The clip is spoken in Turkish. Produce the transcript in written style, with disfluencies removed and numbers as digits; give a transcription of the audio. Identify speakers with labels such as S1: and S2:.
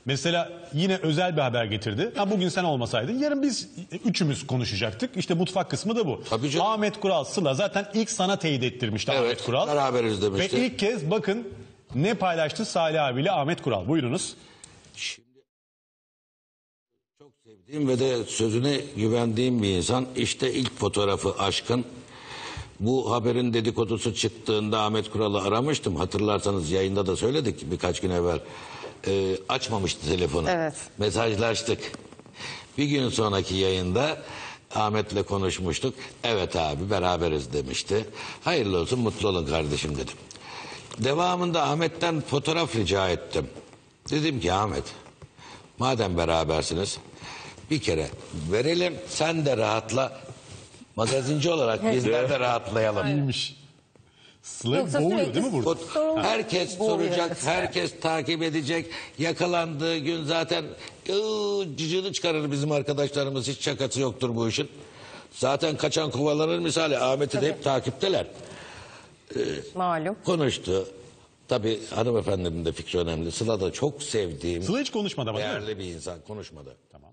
S1: Mesela yine özel bir haber getirdi. Ha, bugün sen olmasaydın yarın biz üçümüz konuşacaktık. İşte mutfak kısmı da bu.
S2: Tabii canım.
S1: Ahmet Kural, Sıla zaten ilk sana teyit ettirmişti
S2: Evet,
S1: Ahmet Kural.
S2: beraberiz demişti.
S1: Ve ilk kez bakın ne paylaştı Salih abiyle Ahmet Kural. Buyurunuz.
S2: Şimdi çok sevdiğim ve de sözüne güvendiğim bir insan. İşte ilk fotoğrafı Aşkın. Bu haberin dedikodusu çıktığında Ahmet Kural'ı aramıştım. Hatırlarsanız yayında da söyledik birkaç gün evvel. Açmamıştı telefonu.
S3: Evet.
S2: Mesajlaştık. Bir gün sonraki yayında Ahmet'le konuşmuştuk. Evet abi beraberiz demişti. Hayırlı olsun, mutlu olun kardeşim dedim. Devamında Ahmet'ten fotoğraf rica ettim. Dedim ki Ahmet, madem berabersiniz bir kere verelim, sen de rahatla. Magazinci olarak bizler de rahatlayalım.
S1: İyiymiş. Sıla
S3: Yoksa
S1: boğuyor
S3: sürekli
S1: değil mi burada?
S2: Herkes
S3: Boğuyor,
S2: soracak,
S3: evet.
S2: herkes takip edecek. Yakalandığı gün zaten cıcını çıkarır bizim arkadaşlarımız. Hiç şakası yoktur bu işin. Zaten kaçan kovalanır misali. Ahmet'i de hep takipteler.
S3: Malum.
S2: Konuştu. Tabii hanımefendinin de fikri önemli. Sıla da çok sevdiğim,
S1: Sıla hiç konuşmadı ama değil mi?
S2: değerli bir insan. Konuşmadı.
S1: Tamam.